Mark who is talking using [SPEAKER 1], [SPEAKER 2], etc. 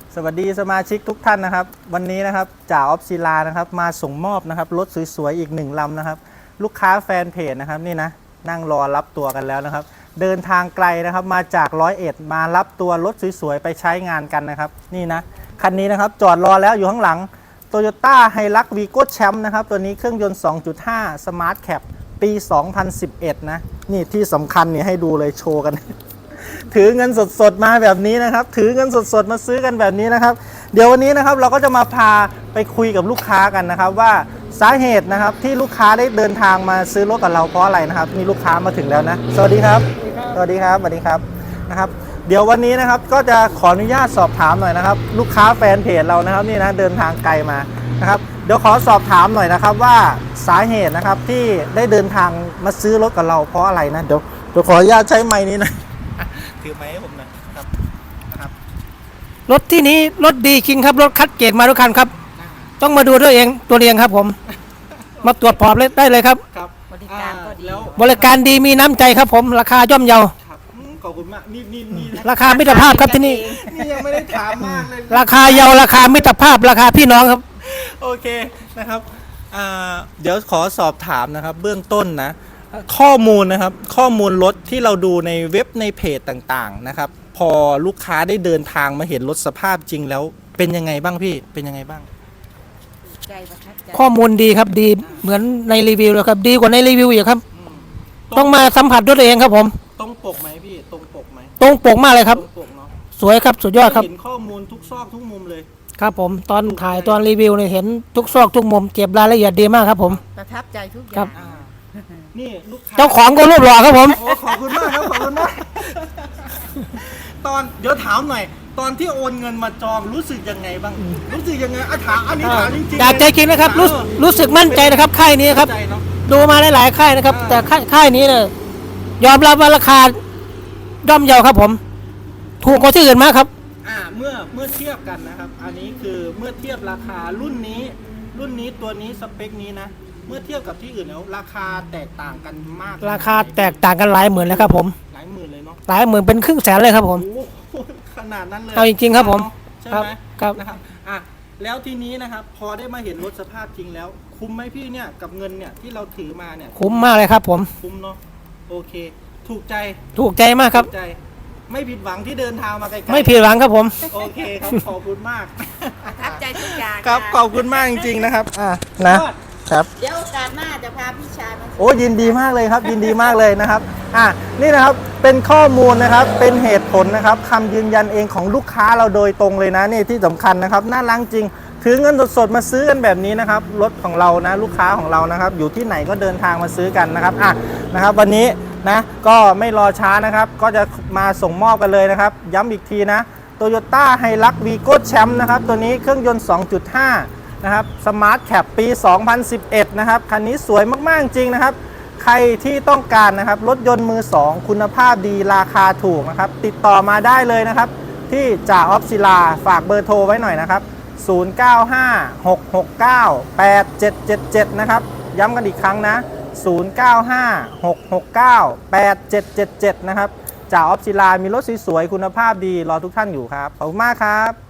[SPEAKER 1] สวัสดีสมาชิกทุกท่านนะครับวันนี้นะครับจ่าออฟศิลานะครับมาส่งมอบนะครับรถสวยๆอีก1 ลำนะครับลูกค้าแฟนเพจนะครับนี่นะนั่งรอรับตัวกันแล้วนะครับเดินทางไกลนะครับมาจาก101มารับตัวรถสวยๆไปใช้งานกันนะครับนี่นะคันนี้นะครับจอดรอแล้วอยู่ข้างหลัง Toyota Hilux Vigo Champ นะครับตัวนี้เครื่องยนต์ 2.5 Smart Cab ปี 2011 นะนี่ที่สำคัญเนี่ยให้ดูเลยโชว์กัน ถือเงินสดๆมาแบบนี้นะครับถือเงินสดๆมาซื้อกันแบบนี้นะครับเดี๋ยววันนี้นะครับเราก็จะมาพาไปคุยกับลูกค้ากันนะครับว่าสาเหตุนะครับที่ลูกค้าได้เดินทางมาซื้อรถกับเราเพราะอะไรนะครับมีลูกค้ามาถึงแล้วนะสวัสดีครับสวัสดีครับสวัสดีครับนะครับเดี๋ยววันนี้นะครับก็จะขออนุญาตสอบถามหน่อยนะครับลูกค้าแฟนเพจเรานะครับนี่นะเดินทางไกลมานะครับเดี๋ยวขอสอบถามหน่อยนะครับว่าสาเหตุนะครับที่ได้เดินทางมาซื้อรถกับเราเพราะอะไรนะเดี๋ยวขออนุญาตใช้ไมค์นี้นะถือไม้ให้ผมหน่อยนะครับ
[SPEAKER 2] รถที่นี้รถดีจริงครับรถคัดเกรดมาทุกคันครับต้องมาดูด้วยเองตัวเองครับผมมาตรวจสอบได้เลยครับ
[SPEAKER 1] บริการก็ดี
[SPEAKER 2] บริการดีมีน้ำใจครับผมราคาย่อมเยา
[SPEAKER 1] ขอบคุณมากนี่
[SPEAKER 2] ราคามิตรภาพครับที่นี่
[SPEAKER 1] นี่ยังไม่ได้ถามมากเลย
[SPEAKER 2] ราคาเยาราคามิตรภาพราคาพี่น้องครับ
[SPEAKER 1] โอเคนะครับเดี๋ยวขอสอบถามนะครับเบื้องต้นนะข้อมูลนะครับข้อมูลรถที่เราดูในเว็บในเพจต่างๆนะครับพอลูกค้าได้เดินทางมาเห็นรถสภาพจริงแล้วเป็นยังไงบ้างพี่เป็นยังไงบ้าง
[SPEAKER 2] ข้อมูลดีครับดีเหมือนในรีวิวเลยครับดีกว่าในรีวิวอีกครับต้องมาสัมผัสด้วยตัวเองครับผม
[SPEAKER 1] ตรงปกไหมพี่ตรงปกไหม
[SPEAKER 2] ตรงปกมากเลยครับสวยครับสุดยอดครับ
[SPEAKER 1] เห็นข้อมูลทุกซอกทุกมุมเลย
[SPEAKER 2] ครับผมตอนถ่ายตอนรีวิวเนี่ยเห็นทุกซอกทุกมุมเก็บรายละเอียดดีมากครับผม
[SPEAKER 3] ประทับใจทุกอย่าง
[SPEAKER 1] นี่ลูกค้า
[SPEAKER 2] เจ้าของก็รูปหล่อครับผม
[SPEAKER 1] ขอบคุณมากครับขอบคุณมากเดี๋ยวถามหน่อยตอนที่โอนเงินมาจองรู้สึกยังไงบ้างรู้สึกยังไงถามอันนี้ถามจริงๆ
[SPEAKER 2] จากใจจริงนะครับรู้สึกมั่นใจนะครับค่ายนี้ครับดูมาหลายๆค่ายนะครับแต่ค่ายนี้เนี่ยยอมรับว่าราคาย่อมเยาครับผมถูกกว่าที่อื่นมากครับ
[SPEAKER 1] เมื่อเทียบกันนะครับอันนี้คือเมื่อเทียบราคารุ่นนี้ตัวนี้สเปคนี้นะเมื่อเทียบกับที่อื่นแล้วราคาแตกต่างกันมาก
[SPEAKER 2] ราคาแตกต่างกันหลายหมื่นเลยครับผม
[SPEAKER 1] หลายหมื่นเลยเนาะ
[SPEAKER 2] หลายหมื่นเป็นครึ่งแสนเลยครับผม
[SPEAKER 1] ขนาดนั้นเลย
[SPEAKER 2] เอาจริงๆครับผม
[SPEAKER 1] ใช่ไหมครับนะครับแล้วทีนี้นะครับพอได้มาเห็นรถสภาพจริงแล้วคุ้มไหมพี่เนี่ยกับเงินเนี่ยที่เราถือมาเนี่ย
[SPEAKER 2] คุ้มมากเลยครับผม
[SPEAKER 1] คุ้มเนาะโอเคถูก
[SPEAKER 2] ใจมากครับ
[SPEAKER 1] ไม่ผิดหวังที่เดินทางมาไกลๆ
[SPEAKER 2] ไม่ผิดหวังครับผม
[SPEAKER 1] โอเคครับขอบคุณมาก
[SPEAKER 3] ประทับใจทุกอย่าง
[SPEAKER 1] ครับขอบคุณมากจริงๆนะครับนะครับ
[SPEAKER 3] เดี๋ยวโอกาสหน้าจะพาพี่ชายมา
[SPEAKER 1] โอ้ยินดีมากเลยครับยินดีมากเลยนะครับนี่นะครับเป็นข้อมูลนะครับเป็นเหตุผลนะครับคำยืนยันเองของลูกค้าเราโดยตรงเลยนะนี่ที่สำคัญนะครับน่ารักจริงถือเงินสดๆมาซื้อกันแบบนี้นะครับรถของเรานะลูกค้าของเรานะครับอยู่ที่ไหนก็เดินทางมาซื้อกันนะครับนะครับวันนี้นะก็ไม่รอช้านะครับก็จะมาส่งมอบกันเลยนะครับย้ำอีกทีนะ Toyota Hilux Vigo Champ นะครับตัวนี้เครื่องยนต์ 2.5 นะครับ Smart Cab ปี 2011 นะครับคันนี้สวยมากๆจริงนะครับใครที่ต้องการนะครับรถยนต์มือ 2 คุณภาพดีราคาถูกนะครับติดต่อมาได้เลยนะครับที่จ่าออฟศิลาฝากเบอร์โทรไว้หน่อยนะครับ0956698777นะครับย้ำกันอีกครั้งนะ0956698777นะครับจ่าออฟศิลามีรถสวยๆคุณภาพดีรอทุกท่านอยู่ครับขอบคุณมากครับ